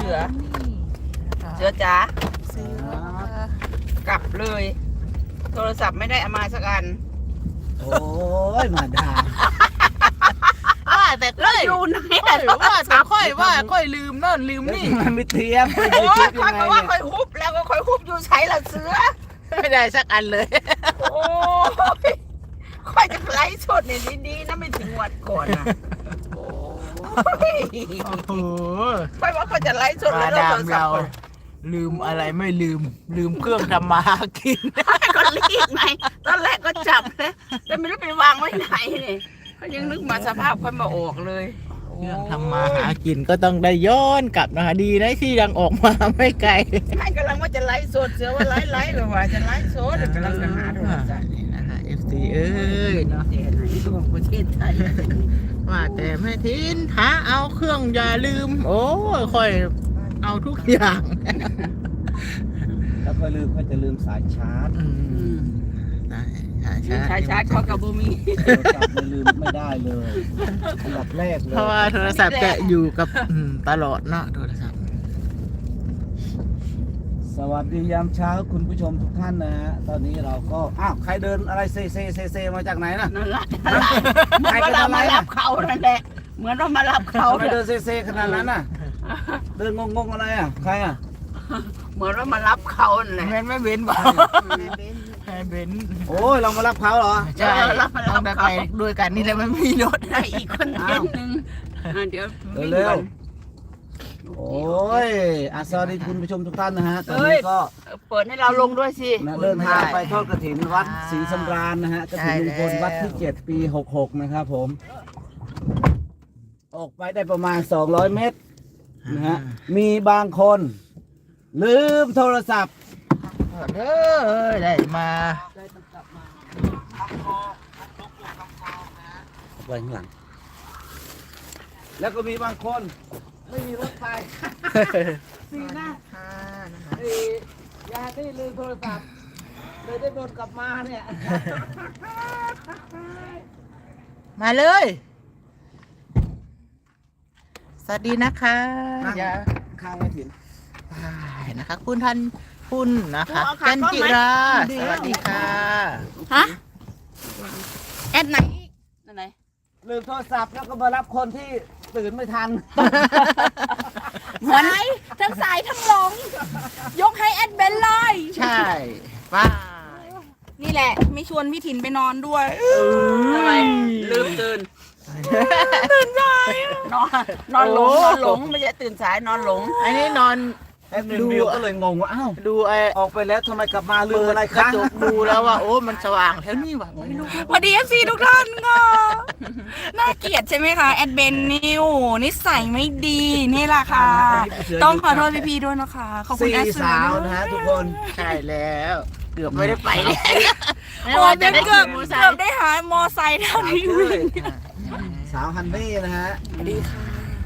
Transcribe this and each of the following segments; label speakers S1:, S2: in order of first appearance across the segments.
S1: สือ เสือจ๋ากลับเลย โทรศัพท์ไม่ได้เอามาสักอัน
S2: โอ้ยมาดาม
S3: ว่าแต่ค่อย
S1: อยู่ไหน
S3: ว่าแต่ค่อยลืมนั่นลืมนี่
S2: มันไม่เทียมไป
S1: โอ้
S2: ยู
S1: ย
S2: ทูบ
S1: ค่
S2: ยั
S1: อย
S2: งไง
S1: บอกว่า
S2: เนี่ย
S1: ค่อยฮุบแล้วก็ค่อยฮุบอยู่ใช้ละเสือ
S3: ไม่ได้สักอันเลย
S1: โอ้ยค่อยจะไลฟ์สดเนี่ยดีๆนะไม่ถึงวันก่อนนะโอ้ย
S3: โอ้โห
S1: ค่อยว่าค่อยจะไลฟ์สด
S3: มา
S1: แล้ว
S3: ดา
S1: โท
S3: ม
S1: รศัพ
S3: เรา
S1: ท์ก่อน
S3: ลืมอะไรไม่ลืมเครื่องทำมาหากิน
S1: ก็รีบไงตอนแรกก็จับนะแต่ไม่รู้ไปวางไว้ไหนเนี่ยก็ยังนึกมาสภาพค่อยมาออกเลย
S3: เครื่องทำมาหากินก็ต้องได้ย้อนกลับนะคะดีนะที่ยังออกมาไม่ไกล
S1: ไม่กำลังว่าจะไลฟ์สดเสือว่าไลฟ์เลยว่าจะไลฟ์สดกำลังจะหาโทรศัพท์
S3: นี่นะคะ FC เอ้ยเนาะ
S1: ประเทศไหนของประเทศไทย
S3: ว่าแต่แม่ทินหาเอาเครื่องอย่าลืม โอ้ยค่อยเอาทุกอย่าง
S2: แล้วก็ลืมก็จะลืมสายชาร์จ
S3: ได้ใช่
S1: ชายชาร์จเขากับบูมี
S2: โทรศัพท์ลืมไม่ได้เลยอันดับแรกเลย
S3: เพราะว่าโทรศัพท์จะอยู่กับตลอดเนาะโทรศัพท์
S2: สวัสดียามเช้าคุณผู้ชมทุกท่านนะฮะตอนนี้เราก็อ้าวใครเดินอะไรเซมาจากไหนน่ะ
S1: นั่นแหละเหมือนว่าเรามารับเขานั่นแหละเหมือนเรามารับเขา
S2: ทำไมเดินเซขนาดนั้นน่ะ เดินงงๆอะไรอ่ะใครอ่ะ
S1: เหมือนว่ามารับเขานั่นแหละ
S3: แม่นไม่เว้นบ่ให้เว้น
S2: โอ้ยเรามารับเขาเหรอ
S3: ใช่ต้องได้ไปด้วยกันนี่แหละไม่มีรถ
S1: ได้อีกคนนึงเดี๋ยววิ่ง
S2: เร็
S1: ก่
S2: ว
S1: อน
S2: โอ้ยสวัสดีคุณผู้ชมทุกท่านนะฮะตอนนี้ก็
S1: เปิดให้เราลงด้วยสิ
S2: นะเดินทางไปทอดกฐินวัดศรีสำราญนะฮะกฐินลุงพลวัดที่ 7 ปี 66 นะครับผม ออกไปได้ประมาณ 200 เมตรนะฮะมีบางคนลืมโทรศัพท์
S3: เด้อได้มา
S2: ไว้ข้างหลัง แล้วก็มีบางคนไม่มีรถไปสีหน้าอยาที่ลืมโทรศัพท์เลยได้โดนกลับมาเนี่ย
S3: มาเลย สวัสดีนะคะ อย่า
S2: ข้างไม่ถึง
S3: ไปนะคะ คุณทันคุณนะคะจันจิรา สวัสดีค่ะ
S1: ฮะแอดไหนนั่นไหน
S2: ลืมโทรศัพท์แล้วก็มารับคนที่ตื่นไม่ทัน
S4: สายทั้งสายทั้งหลง ยกให้แอดเบนเลย
S3: ใช่ป้า
S4: นี่แหละ ไม่ชวนพี่ถิ่นไปนอนด้วย
S1: ทำไมลืมตื่นนอนหลงไม่ใช่ตื่นสายนอนหลง
S3: อันนี้นอน
S2: แอดมินวิวก็เลยงงว่าอ้าว
S3: ดูไอ้
S2: ออกไปแล้วทำไมกลับมาลืมอะไร
S3: กระ
S2: คะ
S3: จกดูแล้วว่า โอ้มันสว่างแล้วนี่หว่าไม่รู้
S4: สวัสดีเอฟซีทุกท่านค่ะน่าเกลียดใช่ไหมคะแอดเบนนิวนิสัยไม่ดีนี่แหละค่ะ ต้องขอโทษพี่ๆด้วยนะคะ ขอบคุณ
S2: สี่
S4: แอดเสื
S2: สา
S4: อ
S2: ว
S4: ด้วย
S2: นะฮะทุกคน
S3: ใช่แล้ว เกือบไม่ได้ไปเลย
S4: โอ้ยเบนเกือบได้หามอไซค์เท่านี้เลย
S2: สาวฮันนี่นะฮะ
S4: ดีค่ะ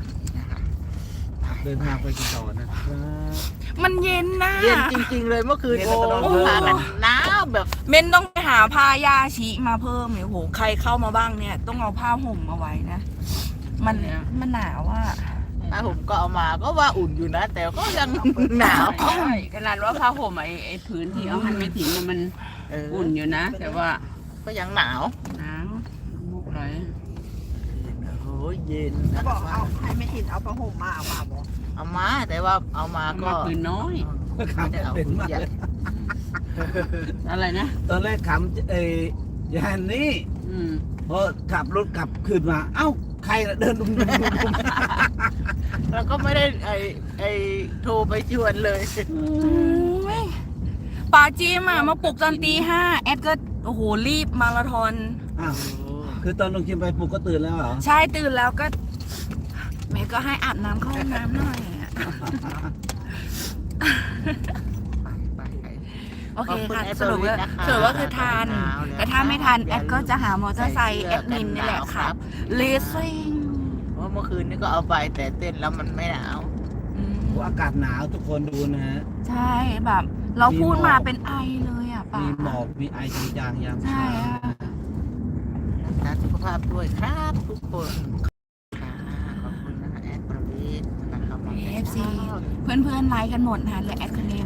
S2: เดินทางไปกี่ต่อนะครับ
S4: มันเย็นนะ
S3: เย็นจริง ๆ เลยเมื่อคืน
S2: เย็น
S3: โอ้
S2: แล้วก็นอน
S3: พากันหนาวแบบ
S4: เบนต้องไปหาผ้ายาชีมาเพิ่มเนี่ยโหใครเข้ามาบ้างเนี่ย ต้องเอาผ้าห่มมาไว้นะ มันหนาวอ่ะ
S3: ผ้าห่มก็เอามาก็ว่าอุ่นอยู่นะ แต่ก็ยังหนาว
S1: ใช่ขนาดว่าผ้าห่มไอ้ผืนที่เอาให้ไม่ถึงมัน อุ่นอยู่นะ แต่ว่า
S3: ก็ยังหนาว
S1: หนาวมุกไหล
S3: โอ้ยเย็นนะ
S1: บอกเอาให้ไม่ถิ่นเอาผ้าห่มมาเอามาบอก
S3: เอามาแต่ว่าเอามาก็
S1: มาผืนน้อย
S3: ไม่ได้เอา
S2: เป็นมาก
S3: ใหญ่
S2: เลย
S1: อะไรนะ
S2: ตอนแรกขำยานนี่
S1: อืม
S2: พอขับรถกลับคืนมา เอ้าใครน่ะเดินดุม
S3: แล้วก็ไม่ได้โทรไปชวนเลย
S4: ป่าจีมมาปลุกตอนตี 5แอดก็โอ้โหรีบมาราธอน
S2: อ้าวคือตอนลงคิมไปปลุกก็ตื่นแล้วเหรอ
S4: ใช่ตื่นแล้วก็แม่ก็ให้อาบน้ำเข้าห้องน้ำหน่อยอะโอเคค่ะสรุปว่าคือทาน แต่ถ้าไม่ทานแอดก็จะหามอเตอร์ไซค์แอดมินนี่แหละค่ะเลสซิ่ง
S3: เพราะเมื่อคืนนี้ก็เอาไปแต่เต้นแล้วมันไม่หนาว
S2: อากาศหนาวทุกคนดูนะฮะ
S4: ใช่แบบ เราพูดมาเป็นไอเลยอ่ะป่า
S2: มีหมอกมีไอจางๆยาม
S4: ใช่
S2: เช้า
S4: อะ
S3: รักษาสุขภาพด้วยครับทุกคนค่ะขอบคุณนะคะแอดประวิทย์นะคะมา
S4: เอฟซีเพื่อนๆไลค์กันหมดนะคะเหลือแอดคนเดียว